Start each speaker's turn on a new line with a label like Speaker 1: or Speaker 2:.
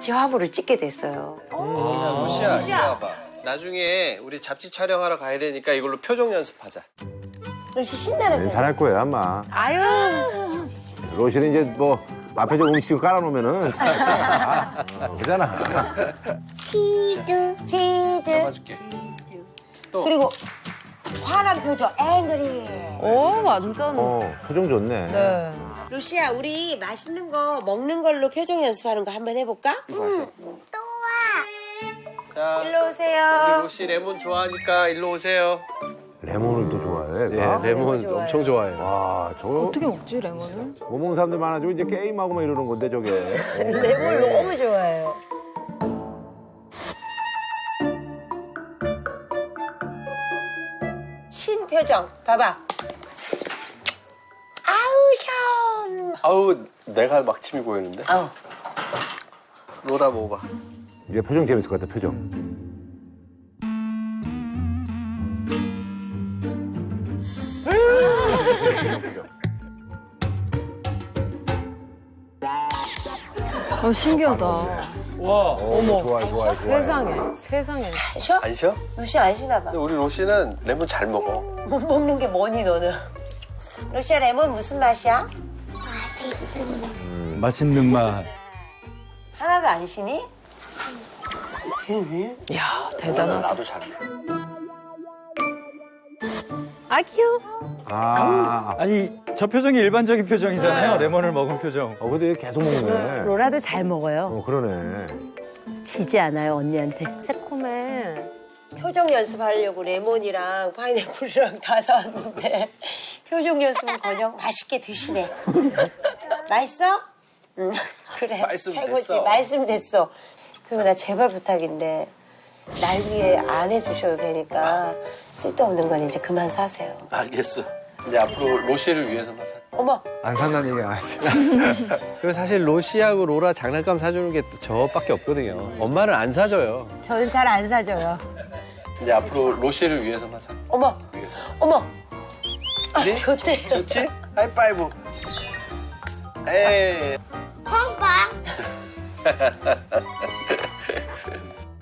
Speaker 1: 같이 화보를 찍게 됐어요.
Speaker 2: 자, 로시야, 이리 와봐. 나중에 우리 잡지 촬영하러 가야 되니까 이걸로 표정 연습하자.
Speaker 1: 로시 신나는 거.
Speaker 3: 잘할 거예요 아마.
Speaker 4: 아유.
Speaker 3: 로시는 이제 뭐 앞에 좀 음식을 깔아놓으면은 그잖아.
Speaker 1: 치즈.
Speaker 2: 잡아줄게. 또.
Speaker 1: 그리고 화난 표정, 앵그리.
Speaker 4: 오, 완전.
Speaker 3: 표정 좋네.
Speaker 4: 네.
Speaker 1: 루시야, 우리 맛있는 거 먹는 걸로 표정 연습하는 거 한번 해볼까?
Speaker 2: 자,
Speaker 1: 일로
Speaker 2: 우리
Speaker 1: 오세요.
Speaker 2: 로시 레몬 좋아하니까 일로 오세요.
Speaker 3: 레몬을 또 좋아해.
Speaker 5: 네,
Speaker 3: 얘가?
Speaker 5: 레몬 엄청 좋아해요.
Speaker 3: 와 저거
Speaker 4: 어떻게 먹지, 레몬을?
Speaker 3: 못 먹는 사람들 많아지고 이제 게임하고 막 이러는 건데 저게.
Speaker 1: 레몬 너무 좋아해요. 신표정, 봐봐. 아우, 샤워.
Speaker 2: 아우, 내가 막침이 고이는데?
Speaker 1: 아우.
Speaker 2: 로라 먹어봐.
Speaker 3: 이게 표정 재밌을 것 같아 표정.
Speaker 4: 신기하다.
Speaker 3: 어머. 좋아.
Speaker 4: 세상에, 세상에.
Speaker 1: 쉬어?
Speaker 2: 안 쉬어?
Speaker 1: 루시 안 쉬나 봐.
Speaker 2: 근데 우리 로시는 레몬 잘 먹어.
Speaker 1: 못 먹는 게 뭐니, 너는? 루시야, 레몬 무슨 맛이야?
Speaker 6: 맛있는 맛.
Speaker 1: 하나도 안 쉬니?
Speaker 4: 이야, 대단하다.
Speaker 2: 나도 잘해.
Speaker 4: 아, 귀여워.
Speaker 6: 아니 저 표정이 일반적인 표정이잖아요. 레몬을 먹은 표정.
Speaker 3: 근데 얘 계속 먹네.
Speaker 7: 로라도 잘 먹어요.
Speaker 3: 그러네.
Speaker 7: 지지 않아요, 언니한테.
Speaker 4: 새콤해.
Speaker 1: 표정 연습하려고 레몬이랑 파인애플이랑 다 사왔는데 표정 연습은커녕 맛있게 드시네. 맛있어? 응, 그래.
Speaker 2: 말씀
Speaker 1: 최고지.
Speaker 2: 됐어.
Speaker 1: 말씀 됐어. 그리고 나 제발 부탁인데 날 위해 안 해주셔도 되니까 쓸데없는 건 이제 그만 사세요.
Speaker 2: 알겠어. 이제 앞으로 로시를 위해서만 사.
Speaker 1: 어머,
Speaker 5: 안 산다는 얘기 안 하지. 그리고 사실 로시하고 로라 장난감 사주는 게 저밖에 없거든요. 엄마는 안 사줘요.
Speaker 7: 저는 잘 안 사줘요.
Speaker 2: 이제 앞으로 로시를 위해서만 사.
Speaker 1: 어머,
Speaker 2: 위해서.
Speaker 1: 어머. 아,
Speaker 2: 그래?
Speaker 1: 좋대.
Speaker 2: 좋지? 하이파이브. 에이.